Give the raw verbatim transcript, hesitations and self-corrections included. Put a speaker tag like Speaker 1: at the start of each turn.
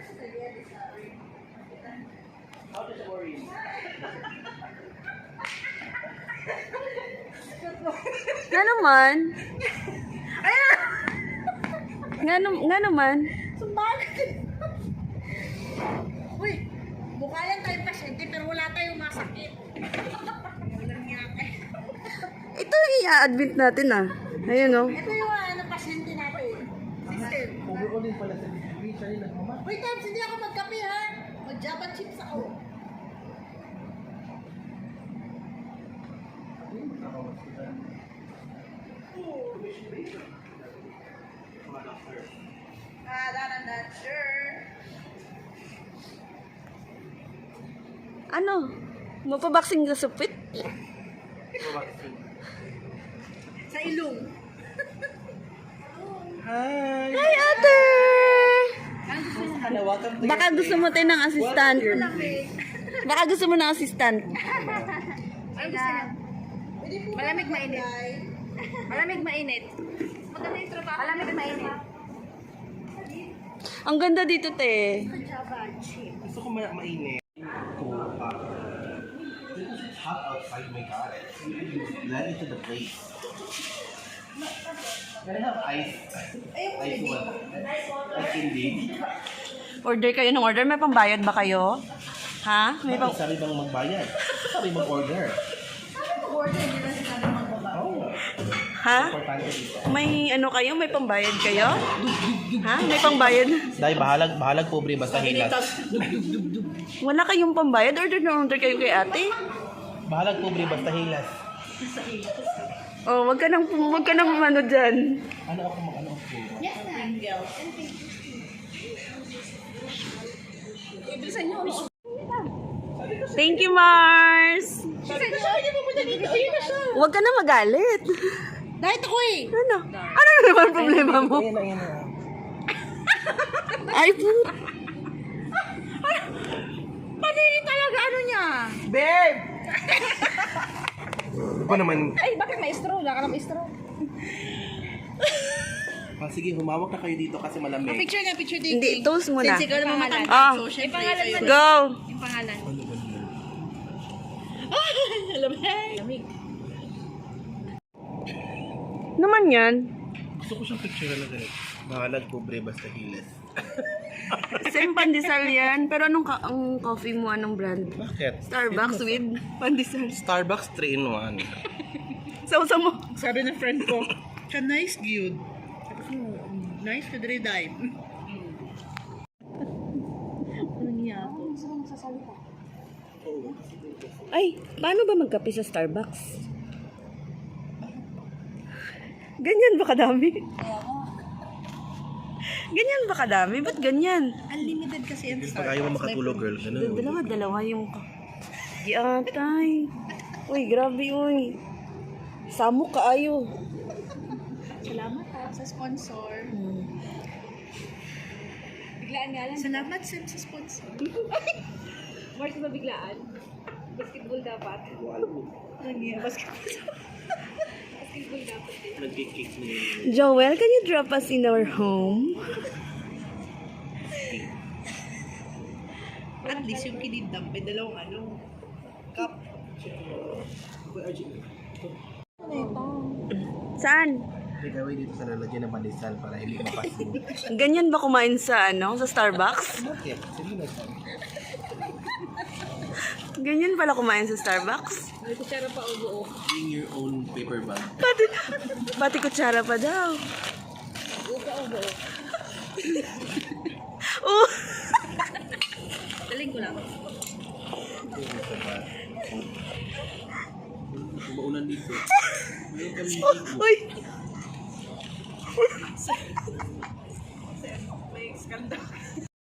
Speaker 1: Nga naman. Nga, nam- nga naman.
Speaker 2: Sumbagay. Uy, mukha lang tayong pasyente pero wala tayong masakit. Walang yake.
Speaker 1: Ito i-admit natin ah. Ayun oh.
Speaker 2: Ito yung ano, pasyente natin. Sister.
Speaker 3: Overall pala sa degree, siya rin nagmamahal.
Speaker 2: Wait, Tabs, hindi ako magkape ha. Mag-java chips ako. Ah, that I'm not sure.
Speaker 1: Ano? Mapaboxing ka sa pit?
Speaker 2: Sa ilong.
Speaker 3: Hi!
Speaker 1: Hi, ate!
Speaker 3: Hello, welcome to
Speaker 1: Baka gusto mo tayo ng assistant. Baka gusto mo ng assistant.
Speaker 2: Ano gusto niya? Malamig mainit. Malamig mainit. Maganda yung trabaho. Malamig mainit.
Speaker 1: Ang ganda dito, te.
Speaker 2: Java chips.
Speaker 3: Gusto ko ma mainit. Cool. Because it's hot outside, my God. Let it to the place. Can I have ice? Ice what? Ice candy?
Speaker 1: Order kayo ng order. May pambayad ba kayo? Ha? May pang...
Speaker 3: Sabi bang magbayad? Sabi mag-order.
Speaker 2: Order nila sinabi magbaba.
Speaker 3: Oh,
Speaker 1: Ha?
Speaker 3: importante dito.
Speaker 1: May ano kayo? May pambayad kayo? Ha? May pambayad?
Speaker 3: Dahil bahalag, bahalag pobre basta hilas.
Speaker 1: Wala kayong pambayad? Order na order kayo kay ate?
Speaker 3: Bahalag pobre basta hilas.
Speaker 1: Oh, wag ka nang, wag ka nang ano dyan.
Speaker 3: Ano ako mag ano ako?
Speaker 2: Yes, Pringles. Ibisan niyo.
Speaker 1: Thank you, Mars!
Speaker 2: Sabi ko siya, hindi pupunta dito. Ayun na siya.
Speaker 1: Wag ka na magalit.
Speaker 2: Dahil ako eh.
Speaker 1: Ano? Ano naman problema mo?
Speaker 3: Ayan na, ayan na.
Speaker 1: Ay, po.
Speaker 2: Panini talaga ano niya.
Speaker 1: Babe!
Speaker 3: Ano pa naman?
Speaker 2: Ay, bakit may straw? Wala ka na may straw.
Speaker 3: Ah, sige, humawak na kayo dito kasi malamig.
Speaker 2: Picture na, picture din.
Speaker 1: Hindi, toast muna.
Speaker 2: Since ikaw naman matanda.
Speaker 1: Ah.
Speaker 2: So, syempre, pangalan mo.
Speaker 1: Go!
Speaker 2: Yung pangalan.
Speaker 3: Ano ba naman?
Speaker 2: Lamig. Lamig.
Speaker 1: Naman yan.
Speaker 3: Gusto ko siyang picture na ganito. Bahalag pobre basta hilas.
Speaker 1: Same pandesal yan. Pero anong ka ang coffee mo? Anong brand?
Speaker 3: Bakit?
Speaker 1: Starbucks with pandesal.
Speaker 3: Starbucks three in one.
Speaker 1: Sausa mo.
Speaker 2: Sabi ng friend ko, siya nice good. Sabi ko, nice to the dime. Anong niya ako? Gusto mo sasalita?
Speaker 1: Ay, paano ba magkape sa Starbucks? Ganyan ba kadami? Ganyan ba kadami? Ba't ganyan?
Speaker 2: Unlimited kasi yan
Speaker 3: Pag ayaw mo makatulog, girl. Ganun.
Speaker 1: Dalawa-dalawa yung... Di atay. Uy, grabe uy. Samok kaayo.
Speaker 2: Salamat ha, sa sponsor.
Speaker 1: Hmm.
Speaker 2: Biglaan nga lang. Salamat Sam sa sponsor. Mars ba biglaan? Basketball dapat. Ano niya? Basketball. Basketball dapat eh.
Speaker 3: Nag-kick ni...
Speaker 1: Joel, can you drop us in our home?
Speaker 2: At least yung kinidam, may dalawang ano. Cup.
Speaker 1: Saan?
Speaker 3: May gawin dito sa lalagyan ng pandesal para hindi mapasin.
Speaker 1: Ganyan ba kumain sa ano? Sa Starbucks?
Speaker 3: Bakit? Sige na.
Speaker 1: Ganyan pala kumain sa Starbucks?
Speaker 2: May kutsara pa o buo.
Speaker 3: Bring your own paper bag.
Speaker 1: Pati, pati kutsara pa daw.
Speaker 2: Buo pa o buo.
Speaker 1: Oh!
Speaker 2: Daling ko lang.
Speaker 3: Maulan dito. Mayroon kami dito.
Speaker 1: Uy!
Speaker 2: May skandal.